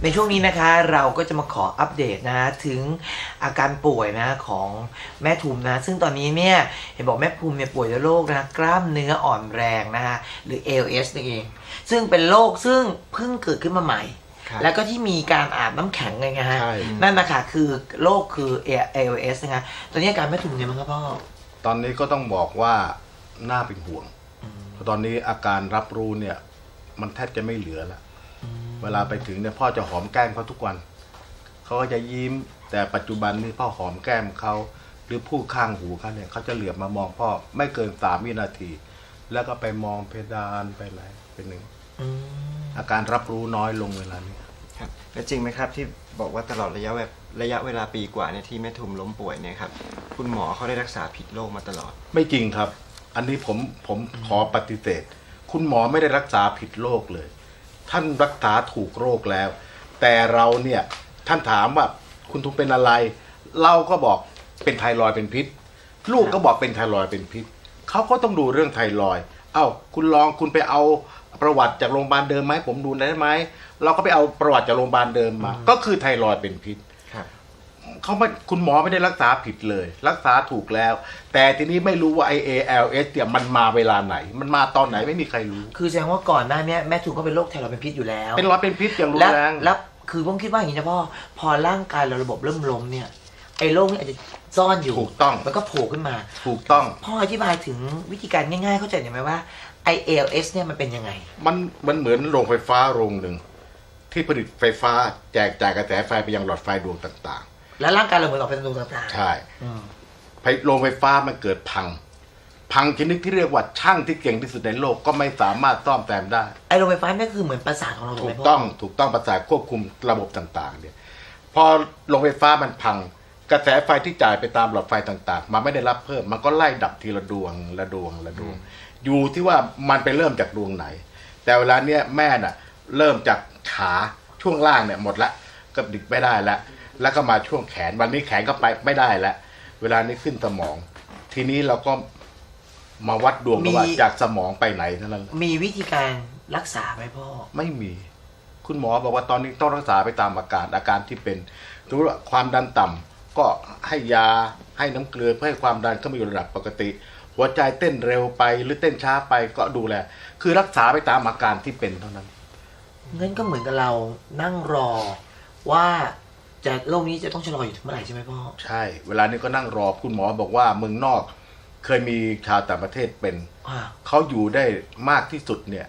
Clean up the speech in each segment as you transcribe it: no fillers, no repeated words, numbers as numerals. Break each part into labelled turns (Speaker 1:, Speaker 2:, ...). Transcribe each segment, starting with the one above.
Speaker 1: ในช่วงนี้นะคะเราก็จะมาขออัปเดตนะถึงอาการป่วยนะของแม่ทุมนะซึ่งตอนนี้เนี่ยเห็นบอกแม่ทุมเนี่ยป่วยด้วยโรคนะกล้ามเนื้ออ่อนแรงนะฮะหรือ ALS นั่นเองซึ่งเป็นโรคซึ่งเพิ่งเกิดขึ้นมาใหม่แล้วก็ที่มีการอาบน้ำแข็งไงฮะนั่นนะคะคือโรคคือ ALS นะคะตอนนี้อาการแม่ทุมเนี่ยมั้งครับพ่อ
Speaker 2: ตอนนี้ก็ต้องบอกว่าน่าเป็นห่วงเพราะตอนนี้อาการรับรู้เนี่ยมันแทบจะไม่เหลือแล้วเวลาไปถึงเนี่ยพ่อจะหอมแก้มเขาทุกวันเขาก็จะยิ้มแต่ปัจจุบันนี้พ่อหอมแก้มเขาหรือพูดข้างหูเขาเนี่ยเขาจะเหลือบมามองพ่อไม่เกิน3 วินาทีแล้วก็ไปมองเพดานไปอะไรเป็นหนึ่งอาการรับรู้น้อยลงเวลานี้
Speaker 3: ครับแล้วจริงไหมครับที่บอกว่าตลอดระยะเวลาปีกว่าเนี่ยที่แม่ทุมล้มป่วยเนี่ยครับคุณหมอเขาได้รักษาผิดโรคมาตลอด
Speaker 2: ไม่จริงครับอันนี้ผมขอปฏิเสธคุณหมอไม่ได้รักษาผิดโรคเลยท่านรักษาถูกโรคแล้วแต่เราเนี่ยท่านถามว่าคุณทุมเป็นอะไรเราก็บอกเป็นไทรอยด์เป็นพิษลูกก็บอกเป็นไทรอยด์เป็นพิษเขาก็ต้องดูเรื่องไทรอยด์เอ้าคุณไปเอาประวัติจากโรงพยาบาลเดิมไหมผมดูได้ไหมเราก็ไปเอาประวัติจากโรงพยาบาลเดิมมาก็คือไทรอยด์เป็นพิษเขาไม่คุณหมอไม่ได้รักษาผิดเลยรักษาถูกแล้วแต่ทีนี้ไม่รู้ว่า ALS เนี่ยมันมาเวลาไหนมันมาตอนไหนไม่มีใครรู้
Speaker 1: คือแสดงว่าก่อนหน้านี้แม่ทุมก็เป็นโรคไทรอยด์เป็นพิษอยู่แล้ว
Speaker 2: เป็นเป็นพิษอย่างรุนแรง
Speaker 1: แล้วคือผมคิดว่าอย่างนี้นะพ่อพอร่างกายเราระบบเริ่มล้มเนี่ยไอ้โรคนี้อาจจะซ่อนอยู่
Speaker 2: ถูกต้อง
Speaker 1: มันก็โผล่ขึ้นมา
Speaker 2: ถูกต้อง
Speaker 1: พ่ออธิบายถึงวิธีการง่ายๆเข้าใจไหมว่า ALS เนี่ยมันเป็นยังไง
Speaker 2: มันเหมือนโรงไฟฟ้าโรงหนึ่งที่ผลิตไฟฟ้าแจกจ่ายกระแสไฟไปยังหลอดไฟดวงต่าง
Speaker 1: ๆแล้วร่างกายเราเหมือนกับเป็นดวงต่าง
Speaker 2: ๆใช่โรงไฟฟ้ามันเกิดพังชนิดที่เรียกว่าช่างที่เก่งที่สุดในโลกก็ไม่สามารถซ่อมแซมได้
Speaker 1: ไอ้โรงไฟฟ้านี่คือเหมือนประสาทของเรา
Speaker 2: ถูกต้องประสาทควบคุมระบบต่างๆเนี่ยพอโรงไฟฟ้ามันพังกระแสไฟที่จ่ายไปตามหลอดไฟต่างๆมันไม่ได้รับเพิ่มมันก็ไล่ดับทีละดวงอยู่ที่ว่ามันไปเริ่มจากดวงไหนแต่เวลาเนี้ยแม่น่ะเริ่มจากขาช่วงล่างเนี่ยหมดละก็ดิกไม่ได้แล้วก็มาช่วงแขนวันนี้แขนก็ไปไม่ได้แล้วเวลานี้ขึ้นสมองทีนี้เราก็มาวัดดวงว่าจากสมองไปไหนเท่านั้น
Speaker 1: มีวิธีการรักษาไหมพ่อ
Speaker 2: ไม่มีคุณหมอบอกว่าตอนนี้ต้องรักษาไปตามอาการที่เป็นสมมติว่าความดันต่ำก็ให้ยาให้น้ำเกลือเพื่อให้ความดันเข้ามาอยู่ระดับปกติหัวใจเต้นเร็วไปหรือเต้นช้าไปก็ดูแลคือรักษาไปตามอาการที่เป็นเท่านั้น
Speaker 1: งั้นก็เหมือนกับเรานั่งรอว่าจะโรคนี้จะต้องชะลออยู่ถึงเมื่อไหร่ใช่ไหมพ่อ
Speaker 2: ใช่เวลานี้ก็นั่งรอคุณหมอบอกว่าเมืองนอกเคยมีชาวต่างประเทศเป็นเขาอยู่ได้มากที่สุดเนี่ย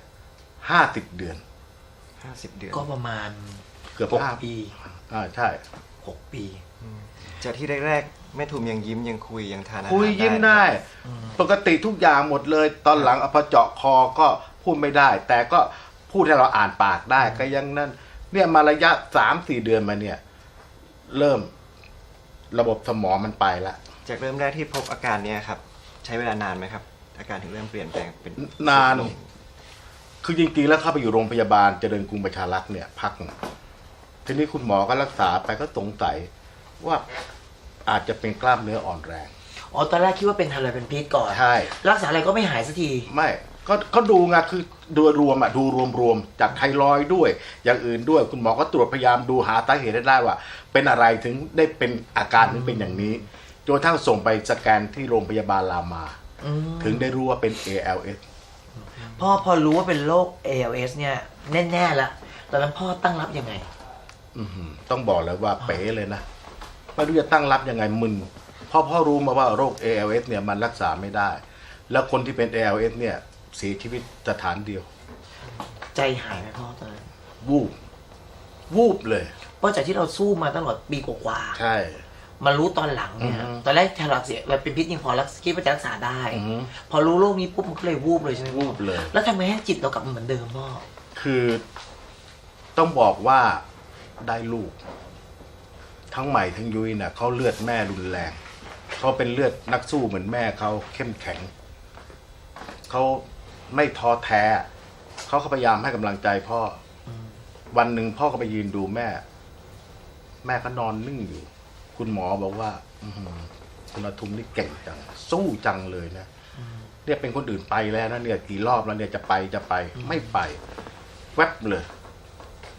Speaker 2: 50 เดือน
Speaker 1: ก็ประมาณ
Speaker 2: เกือบ5 ปีใช่
Speaker 1: 6 ปี
Speaker 3: จากที่แรกๆแม่ทุมยังยิ้มยังคุยยังทานอาหาร
Speaker 2: คุยยิ้มได้ปกติทุกอย่างหมดเลยตอนหลังพอเจาะคอก็พูดไม่ได้แต่ก็พูดให้เราอ่านปากได้ก็ยังนั่นเนี่ยมาระยะ3-4 เดือนมาเนี่ยเริ่มระบบสมองมันไปละ
Speaker 3: จากเริ่มแรกที่พบอาการเนี้ยครับใช้เวลานานไหมครับอาการถึงเริ่มเปลี่ยนแปลงเป็น
Speaker 2: นานคือจริงๆแล้วเข้าไปอยู่โรงพยาบาลเจริญกรุงประชารักษ์เนี่ยพักทีนี้คุณหมอก็รักษาไปก็สงสัยว่าอาจจะเป็นกล้ามเนื้ออ่อนแรง
Speaker 1: ตอนแรกคิดว่าเป็นไทรอยด์เป็นพิษก่อน
Speaker 2: ใช่
Speaker 1: รักษาอะไรก็ไม่หายสักที
Speaker 2: ไม่ก็ดูไงคือดูรวมจากไทรอยด์ด้วยอย่างอื่นด้วยคุณหมอก็ตรวจพยายามดูหาสาเหตุได้ว่าเป็นอะไรถึงได้เป็นอาการถึงเป็นอย่างนี้จนกระทั่งส่งไปสแกนที่โรงพยาบาลรามาถึงได้รู้ว่าเป็น ALS
Speaker 1: พอรู้ว่าเป็นโรค ALS เนี่ยแน่ๆละตอนนั้นพ่อตั้งรับยังไง
Speaker 2: ต้องบอกเลยว่าเป๋เลยนะไม่รู้จะตั้งรับยังไงมึนพ่อรู้มาว่าโรค ALS เนี่ยมันรักษาไม่ได้แล้วคนที่เป็น ALS เนี่ยเสียชีวิตสถานเดียว
Speaker 1: ใจหายไหมพ่อตอนนั้น
Speaker 2: วูบเลย
Speaker 1: เพราะจากที่เราสู้มาตลอดปีกว่า
Speaker 2: ใช่
Speaker 1: มารู้ตอนหลังเนี่ยตอนแรกไทรอยด์เสียมันเป็นพิษยังพอรักษาคิดว่าจะรักษาได้พอรู้โรคนี้ปุ๊บมันก็เลยวูบเลยใช่ไหม
Speaker 2: วูบเลย
Speaker 1: แล้วทำไมให้จิตเรากลับมาเหมือนเดิมพ่อ
Speaker 2: คือต้องบอกว่าได้ลูกทั้งใหม่ทั้งยุ้ยน่ะเขาเลือดแม่รุนแรงเขาเป็นเลือดนักสู้เหมือนแม่เขาเข้มแข็งเขาไม่ท้อแท้เขาพยายามให้กำลังใจพ่อวันหนึ่งพ่อก็ไปยืนดูแม่ก็นอนนิ่งอยู่คุณหมอบอกว่าคุณอาทุมนี่เก่งจังสู้จังเลยนะเนี่ยเป็นคนอื่นไปแล้วนะเนี่ยกี่รอบแล้วเนี่ยจะไปไม่ไปแวบเลย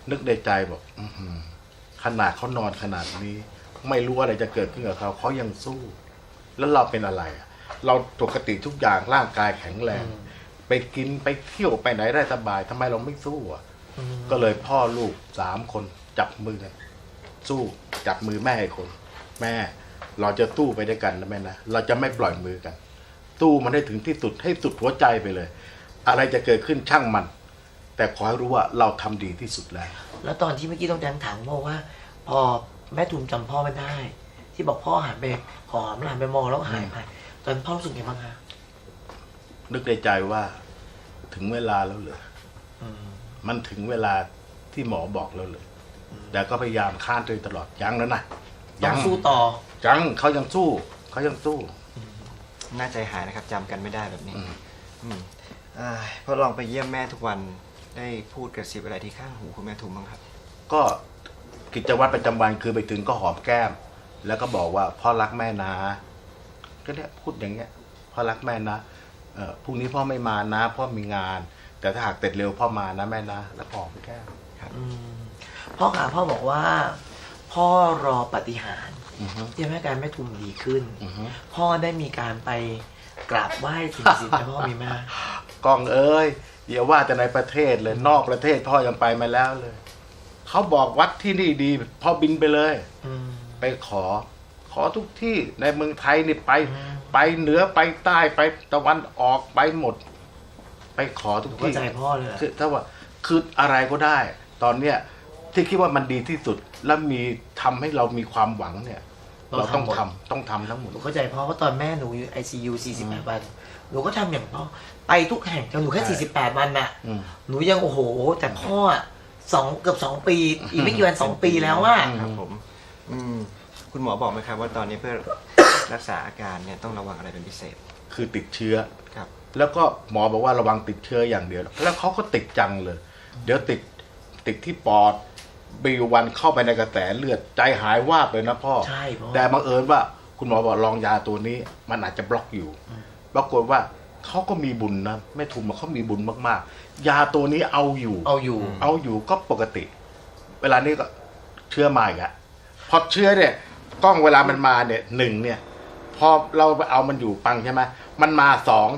Speaker 2: นึกในใจบอกขนาดเขานอนขนาดนี้ ไม่รู้อะไรจะเกิดขึ้นกับเขาเขายังสู้ แล้วเราเป็นอะไรอะเราปกติทุกอย่างร่างกายแข็งแรง ไปกินไปเที่ยวไปไหนได้สบายทำไมเราไม่สู้อ่ะ ก็เลยพ่อลูก3 คนจับมือกันสู้จับมือแม่อีกคน แม่เราจะสู้ไปด้วยกันนะแม่นะเราจะไม่ปล่อยมือกันสู้มันให้ถึงที่สุดให้สุดหัวใจไปเลย อะไรจะเกิดขึ้นช่างมัน แต่ขอให้รู้ว่าเราทำดีที่สุดแล้ว
Speaker 1: แล้วตอนที่เมื่อกี้ต้องแจ้งถามพ่อว่า พอแม่ทุมจำพ่อไม่ได้ ที่บอกพ่อหันไปหอมหันไปมองแล้วหายไปตอนพ่อรู้สึกไงบ้างคะ
Speaker 2: นึกในใจว่าถึงเวลาแล้วเหรอ มันถึงเวลาที่หมอบอกแล้วเลยแต่ก็พยายามค้านตัวเองตลอดยังแล้วนะ
Speaker 1: ต้องสู้ต่อ
Speaker 2: ยังเขายังสู้เขายังสู้
Speaker 3: น่าใจหายนะครับจำกันไม่ได้แบบนี้พอลองไปเยี่ยมแม่ทุกวันได้พูดกระซิบอะไรที่ข้างหูคุณแม่ทุมบ้างครับ
Speaker 2: ก็กิจวัตรประจำวันคือไปถึงก็หอมแก้ม แล้วก็บอกว่าพ่อรักแม่นะก็เนี่ยพูดอย่างเงี้ยพ่อรักแม่นะพรุ่งนี้พ่อไม่มานะพ่อมีงาน แต่ถ้าหากเสร็จเร็วพ่อมานะแม่นะแล้วหอมแก้ม
Speaker 1: พ่อขาพ่อบอกว่า พ่อรอปาฏิหาริย์ที่ทำให้การแม่ทุมดีขึ้น พ่อได้มีการไปกราบไหว้สิ่งศักดิ์สิทธิ์ไหมพ่อมีไหม
Speaker 2: กองเอ้ยอย่าว่าแต่ในประเทศเลยนอกประเทศพ่อยังไปมาแล้วเลยเขาบอกวัดที่นี่ดีพ่อบินไปเลยไปขอทุกที่ในเมืองไทยนี่ไปเหนือไปใต้ไปตะวันออกไปหมด ไปขอทุกที่
Speaker 1: เข้าใจพ่อเลย
Speaker 2: คือถ้าว่าคืออะไรก็ได้ ตอนเนี้ยที่คิดว่ามันดีที่สุดและมีทำให้เรามีความหวังเนี่ย เราต้องทำทั้งหมด
Speaker 1: หนูเข้าใจพ่อเพราะตอนแม่หนูอยู่ ICU 48 วันหนูก็ทำอย่างพ่อไปทุกแห่งแต่หนูแค่48 วันน่ะหนูยังโอ้โหแต่พ่อเกือบ2 ปี อีกไม่กี่วัน2 ปีแล้วว่า
Speaker 3: ครับผมคุณหมอบอกไหมครับว่าตอนนี้เพื่อรักษาอาการเนี่ยต้องระวังอะไรเป็นพิเศษ
Speaker 2: คือติดเชื้อ
Speaker 3: ครับ
Speaker 2: แล้วก็หมอบอกว่าระวังติดเชื้ออย่างเดียวแล้วเขาก็ติดจังเลย เดี๋ยวติดที่ปอดบีวันเข้าไปในกระแสเลือดใจหายวาบเลยนะพ่อ
Speaker 1: ใช่พ่อ
Speaker 2: แต่บังเอิญว่าคุณหมอบอกลองยาตัวนี้มันอาจจะบล็อกอยู่ปรากฏว่าเขาก็มีบุญนะแม่ทุมเขามีบุญมากๆยาตัวนี้เอาอยู่ก็ปกติ เวลานี้ก็เชื้อมาอีกอะพอเชื้อเนี่ยกล้องเวลามันมาเนี่ย1เนี่ยพอเราไปเอามันอยู่ปังใช่ไหมมันมา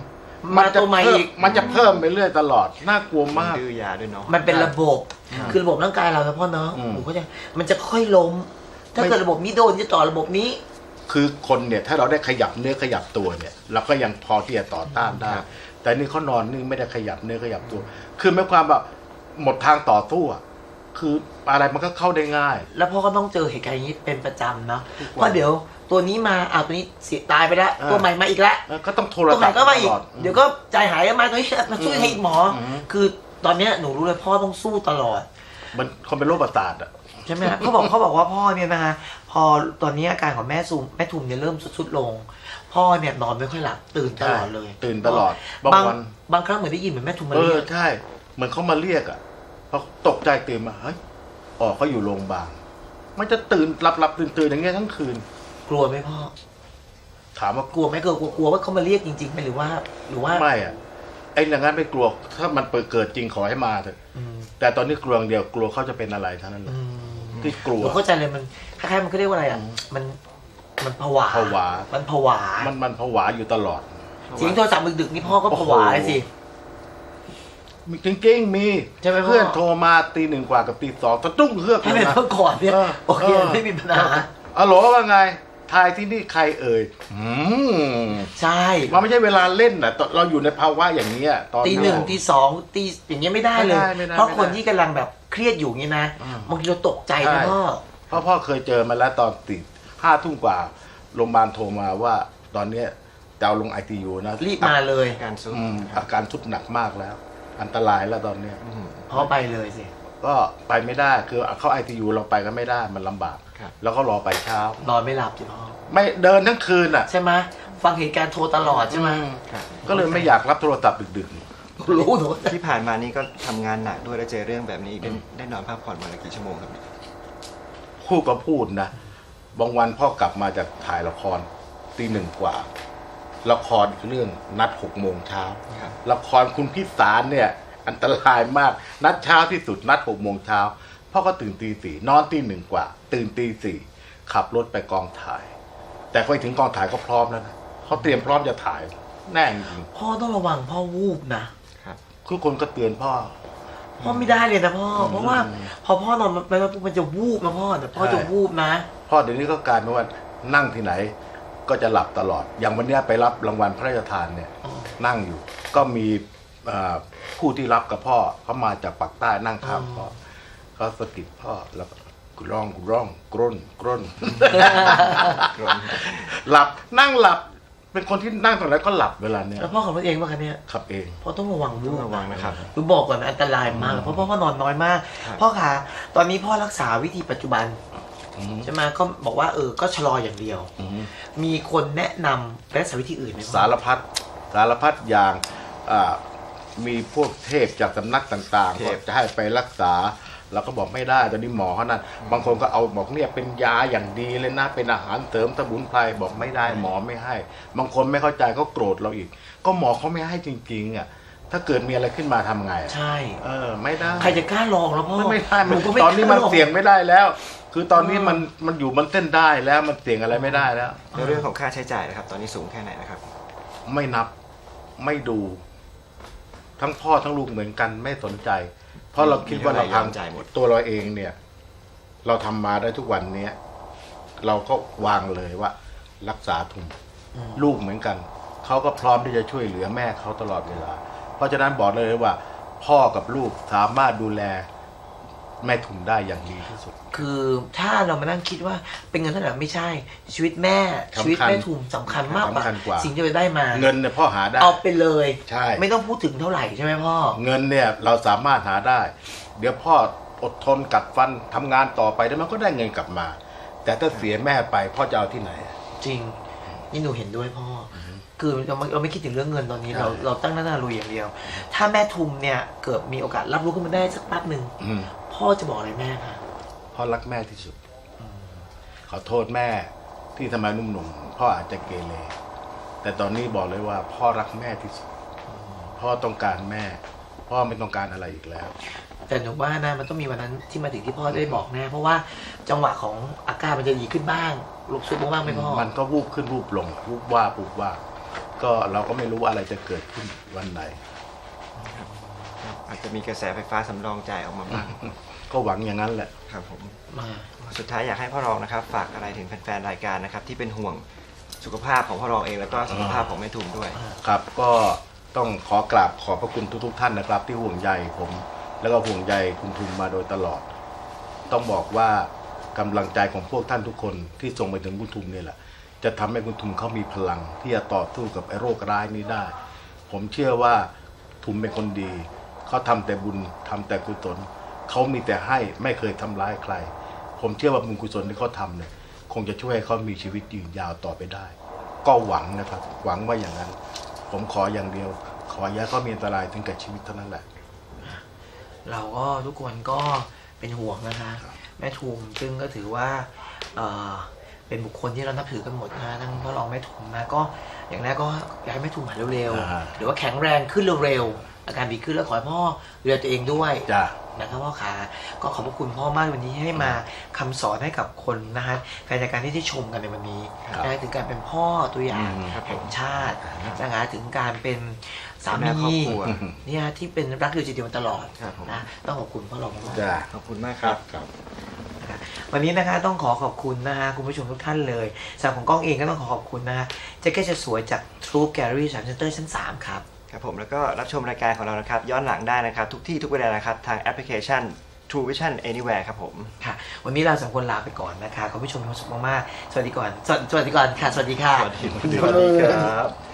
Speaker 2: 2
Speaker 1: มาตัวใหม่อีก
Speaker 2: มันจะเพิ่มไปเรื่อยตลอดน่ากลัวมาก
Speaker 3: ดื้อยาด้วยเนาะ
Speaker 1: มันเป็นระบบ คือระบบร่างกายเรานะพ่อเนาะหนูเข้าใจมันจะค่อยล้ม ถ้าเกิดระบบนี้โดนจะต่อระบบนี้
Speaker 2: คือคนเนี่ยถ้าเราได้ขยับเนื้อขยับตัวเนี่ยเราก็ยังพอที่จะต่อต้านได้ แต่นี่เขานอนนิ่งไม่ได้ขยับเนื้อขยับตัว คือไม่ความแบบหมดทางต่อสู้อะคืออะไรมันก็เข้าได้ง่าย
Speaker 1: แล้วพ่อก็ต้องเจอเหตุการณ์อย่างนี้เป็นประจำเนาะเพราะเดี๋ยวตัวนี้มาตัวนี้เสียตายไปแล้วตัวใหม่มาอีกแล้ว
Speaker 2: ก็ต้องโทร
Speaker 1: ตัวให
Speaker 2: ศั
Speaker 1: ม่
Speaker 2: พท์
Speaker 1: ก็มาอี
Speaker 2: ต
Speaker 1: ก
Speaker 2: ลอด
Speaker 1: เดี๋ยวก็ใจหายมาตัวนี้มาช่วยให้หมอคือตอนเนี้ยหนูรู้เลยพ่อต้องสู้ตลอด
Speaker 2: มันคนเป็นโรคประสาทอะ
Speaker 1: ใช่ไหมครับเขาบอกว่าพ่อเนี่ยนะพอตอนนี้อาการของแม่ทุมเนี่ยเริ่มสุดลง พ่อเนี่ยนอนไม่ค่อยหลับตื่นตลอดเลย
Speaker 2: ตื่นตลอด
Speaker 1: บางครั้งเหมือนได้ยินเหมือนแม่ทุมมา
Speaker 2: เรี
Speaker 1: เรี
Speaker 2: ย
Speaker 1: ย
Speaker 2: ก
Speaker 1: ก
Speaker 2: ใช่เหมือนเขามาเรียกอะพอตกใจตื่นมาเฮ้ยเขาอยู่โรงพยาบาลมันจะตื่นหลับตื่นอย่างเงี้ยทั้งคืน
Speaker 1: กลัวไหมพ่อ
Speaker 2: ถามว่าก
Speaker 1: ลัวไหมกลัวว่าเขามาเรียกจริงๆไหมหรือว่า
Speaker 2: ไม่อะไอ้อย่างนั้นไม่กลัวถ้ามันเกิดจริงขอให้มาเถอะแต่ตอนนี้กลัวอย่างเดียวกลัวเขาจะเป็นอะไรเท่านั้นเลยที่กลัว
Speaker 1: ผมเข้าใจเลยมันคล้ายๆมันก็เรียกว่าอะไรอ่ะมันผวามันผวา
Speaker 2: มันผวาอยู่ตลอด
Speaker 1: เสียงโทรศัพท์ดึกๆนี่พ่อก็ผวาเลยสิ
Speaker 2: จริงๆมี
Speaker 1: ใช่ไหมพ่อ
Speaker 2: เพื่อนโทรมาตี 1 กว่ากับตี 2ตะตุ้งเฮือก
Speaker 1: ถ้าเป็นเมื่อก่อนเนี่ยโอเคไม่มีปัญหา
Speaker 2: อ๋อเหรอว่าไงทายที่นี่ใครเอ่ย
Speaker 1: ใช่
Speaker 2: มันไม่ใช่เวลาเล่นนะเราอยู่ในภาวะอย่างนี้ตอน
Speaker 1: ตี 1ตี 2ตีอย่างเงี้ยไม่ได้เลยเพราะคนที่กำลังแบบเครียดอยู่งี้นะบางทีเราตกใจนะ
Speaker 2: พ่อเคยเจอมาแล้วตอนตี 5 ทุ่มกว่าโรงพยาบาลโทรมาว่าตอนเนี้ยจะเอาลง ICU นะ
Speaker 1: รีบมาเลย
Speaker 2: อาการสุดหนักมากแล้วอันตรายแล้วตอนเนี้ย
Speaker 1: พ่อไปเลยสิ
Speaker 2: ก็ไปไม่ได้คือเข้า ICU เราไปก็ไม่ได้มันลำบากแล้วก็รอไปเช้าน
Speaker 1: อนไม่หลับสิพ่อ
Speaker 2: ไม่เดินทั้งคืนอ่ะ
Speaker 1: ใช่ไหมฟังเหตุการณ์โทรตลอดใช่ไหม
Speaker 2: ก็เลยไม่อยากรับโทรศัพท์ดึก
Speaker 1: ๆรู้หนู
Speaker 3: ที่ผ่านมานี่ก็ทำงานหนักด้วยแล้วเจอเรื่องแบบนี้ได้นอนพักผ่อนวันละกี่ชั่วโมงครับ
Speaker 2: พูดก็พูดนะบางวันพ่อกลับมาจากถ่ายละครตี 1 กว่าละครเรื่องนัด 6 โมงเช้าละครคุณพิสารเนี่ยอันตรายมากนัดเช้าที่สุดนัด 6 โมงเช้าพ่อก็ตื่นตีสี่นอนตีหนึ่งกว่า ตื่นตีสี่ขับรถไปกองถ่าย แต่ไปถึงกองถ่ายก็พร้อมแล้วนะเขาเตรียมพร้อมจะถ่ายแน่จริง
Speaker 1: พ่อต้องระวังพ่อวูบนะ
Speaker 2: ทุกคนก็เตือนพ่อ
Speaker 1: พ่อไม่ได้เลยนะพ่อ เพราะว่าพอพ่อนอนไปแล้วมันจะวูบนะพ่อแต่พ่อจะวูบนะ
Speaker 2: พ่อเดี๋ยวนี้ก็กลายเป็นว่านั่งที่ไหนก็จะหลับตลอด อย่างวันเนี้ยไปรับรางวัลพระราชทานเนี่ย
Speaker 1: อ๋อ
Speaker 2: นั่งอยู่ ก็มีผู้ที่รับกับพ่อเขามาจากปากใต้นั่งข้างพ่อเขาสะกิดพ่อแล้วก็กร้องกร้นหลับนั่งหลับ เป็นคนที่นั่งตรงไหนก็หลับเวลาเนี้ย
Speaker 1: แล้วพ่อขับรถเองป่ะคะเนี่ย
Speaker 2: ขับเอง
Speaker 1: พ่อต้องระวังวู
Speaker 3: ต้อง
Speaker 1: บ
Speaker 3: ระวังนะครับ
Speaker 1: คือบอกก่อนนะอันตรายมากเพราะพ่อนอนน้อยมาก
Speaker 3: ครับ
Speaker 1: พ่อคะตอนนี้พ่อรักษาวิธีปัจจุบัน
Speaker 2: อืม
Speaker 1: ใช่ไหมก็บอกว่าก็ชะลออย่างเดียว
Speaker 2: อืม
Speaker 1: มีคนแนะนำไปรักษาวิธีอื่นไหมพ่อ
Speaker 2: สารพัดอย่างมีพวกเทพจากสำนักต่างๆ
Speaker 3: เท
Speaker 2: ก็
Speaker 3: พ
Speaker 2: จะให้ไปรักษาเราก็บอกไม่ได้ตอนนี้หมอเขานั่นบางคนก็เอาบอกเนี่ยเป็นยาอย่างดีเลยนะเป็นอาหารเสริมสมุนไพรบอกไม่ได้หมอไม่ให้ บางคนไม่เข้าใจก็โกรธเราอีก ก็หมอเขาไม่ให้จริงๆอ่ะถ้าเกิดมีอะไรขึ้นมาทำไงอะ
Speaker 1: ใช่
Speaker 2: ไม่ได้
Speaker 1: ใครจะกล้าลองแล้วพ่อ
Speaker 2: ไม่ได้
Speaker 1: หนูก็ไม่
Speaker 2: ตอนนี้มัน
Speaker 1: กล้าลง
Speaker 2: เสี่ยงไม่ได้แล้ว คือตอนนี้มันอยู่มันเต้นได้แล้วมันเสี่ยงอะไรไม่ได้แล้ว
Speaker 3: ในเรื่องของค่าใช้จ่ายนะครับ ตอนนี้สูงแค่ไหนนะครับ
Speaker 2: ไม่นับไม่ดู ทั้งพ่อทั้งลูกเหมือนกันไม่สนใจ เพราะเราคิดว่าเรา
Speaker 3: มีเท่าไหร่
Speaker 2: พัง
Speaker 3: ยอมจ่ายหมด
Speaker 2: ตัวเราเองเนี่ย เราทำมาได้ทุกวันเนี้ยเราก็วางเลยว่า รักษาทุนลูกเหมือนกัน เขาก็พร้อมที่จะช่วยเหลือแม่เขาตลอดเวลา เพราะฉะนั้นบอกเลยว่า พ่อกับลูกสามารถดูแลแม่ทุนได้อย่างดีที่สุด
Speaker 1: คือถ้าเรามานั่งคิดว่าเป็นเงินเท่าไหร่ไม่ใช่ ชีวิตแม่
Speaker 2: สำคัญ
Speaker 1: ชีวิตแม่ทุมสำคัญมากกว่า
Speaker 2: สำคัญกว่า
Speaker 1: สิ่งที่เราได้มา
Speaker 2: เงินเนี่ยพ่อหาได้
Speaker 1: เอาไปเลย
Speaker 2: ใช่
Speaker 1: ไม่ต้องพูดถึงเท่าไหร่ใช่ไหมพ่อ
Speaker 2: เงินเนี่ยเราสามารถหาได้ เดี๋ยวพ่ออดทนกัดฟันทำงานต่อไปแล้วมันก็ได้เงินกลับมา แต่ถ้าเสียแม่ไปพ่อจะเอาที่ไหน
Speaker 1: จริงนี่หนูเห็นด้วยพ่ออคือเราไม่คิดถึงเรื่องเงินตอนนี้
Speaker 2: ใช่
Speaker 1: เราตั้งหน้าลุยอย่างเดียว ถ้าแม่ทุมเนี่ยเกิดมีโอกาสรับรู้ขึ้นมาได้สักแป๊บหนึ่ง
Speaker 2: อืม
Speaker 1: พ่อจะบอกอะไรแม่คะ
Speaker 2: พ่อรักแม่ที่สุด ขอโทษแม่ที่ทำไมหนุ่มๆพ่ออาจจะเกเรแต่ตอนนี้บอกเลยว่า พ่อรักแม่ที่สุด พ่อต้องการแม่ พ่อไม่ต้องการอะไรอีกแล้ว
Speaker 1: แต่หนูว่านะมันต้องมีวันนั้นที่มาถึงที่พ่อได้บอกแน่เพราะว่าจังหวะของอาการมันจะดีขึ้นบ้างลุกซุบบ้างไหมพ่อ
Speaker 2: มันก็วูบขึ้นวูบลงวูบว่าก็เราก็ไม่รู้ว่าอะไรจะเกิดขึ้นวันไหน
Speaker 3: อาจจะมีกระแสไฟฟ้าสำรองจ่ายออกมาบ้าง
Speaker 2: ก็หวังอย่างนั้นแหละ
Speaker 3: ครับผม
Speaker 1: มา
Speaker 3: สุดท้ายอยากให้พ่อรองนะครับ ฝากอะไรถึงแฟนๆรายการนะครับ ที่เป็นห่วงสุขภาพของพ่อรองเองแล้วก็สุขภาพของแม่ทุมด้วย
Speaker 2: ครับก็ต้องขอกราบขอบพระคุณทุกๆท่านนะครับ ที่ห่วงใยผม แล้วก็ห่วงใยคุณทุมมาโดยตลอด ต้องบอกว่ากำลังใจของพวกท่านทุกคนที่ส่งไปถึงคุณทุมเนี่ยแหละจะทำให้คุณทุมเขามีพลัง ที่จะต่อสู้กับไอ้โรคร้ายนี้ได้ ผมเชื่อว่าทุมเป็นคนดีเขาทำแต่บุญทำแต่กุศลเขามีแต่ให้ไม่เคยทำร้ายใคร ผมเชื่อว่าบุญกุศลที่เขาทำเนี่ยคงจะช่วยให้เขามีชีวิตยืนยาวต่อไปได้ ก็หวังนะครับ หวังว่าอย่างนั้น ผมขออย่างเดียว ขออย่าเขามีอันตรายถึงกับชีวิตเท่านั้นแหละ
Speaker 1: เราก็ทุกคนก็เป็นห่วงนะคะแม่ทุมซึ่งก็ถือว่าเป็นบุคคลที่เรานับถือกันหมดนะทั้งพ่อรองแม่ทุมนะก็อย่างแรกก็อยากให้แม่ทุมหายเร็ว
Speaker 2: อ่า
Speaker 1: ๆหรือว่าแข็งแรงขึ้นเร็วๆอาการดีขึ้นแล้วขอให้พ่อดูแลตัวเองด้วย
Speaker 2: จ้า
Speaker 1: นะครับพ่อขาก็ขอบพระคุณพ่อมากวันนี้ให้มาคำสอนให้กับคนนะฮะแฟนรายการที่ได้ชมกันในวันนี้
Speaker 2: ครับ
Speaker 1: นะถึงการเป็นพ่อตัวอย่าง
Speaker 3: ครับผม
Speaker 1: แห่งชาตินะฮะถึงการเป็นสา
Speaker 3: แม่ครอ
Speaker 1: มี
Speaker 3: บครัว
Speaker 1: เนี่ยที่เป็นรักเดียวใจเดียวมาตลอด
Speaker 3: ครับผม
Speaker 1: นะต้องขอบคุณพ่อรองมากๆ
Speaker 2: จ้า
Speaker 3: ขอบคุณมากครับ
Speaker 2: ครับ
Speaker 1: วันนี้นะคะต้องขอบคุณนะฮะคุณผู้ชมทุกท่านเลยสำหรับของกล้องเองก็ต้องขอบคุณนะฮะแจ็คเก็ตจะสวยจาก True Gallery 3 Center ชั้น 3 ครับ
Speaker 3: ครับผมแล้วก็รับชมรายการของเรานะครับ ย้อนหลังได้นะครับ ทุกที่ทุกเวลานะครับ ทางแอปพลิเคชัน True Vision Anywhere ครับผม
Speaker 1: ค่ะ วันนี้เราสองคนลาไปก่อนนะคะขอผู้ชมมีความสุขมากๆสวัสดีก่อนสวัสดีก่อนค่ะ สวัสดีค่ะ
Speaker 3: สวัสดีครับ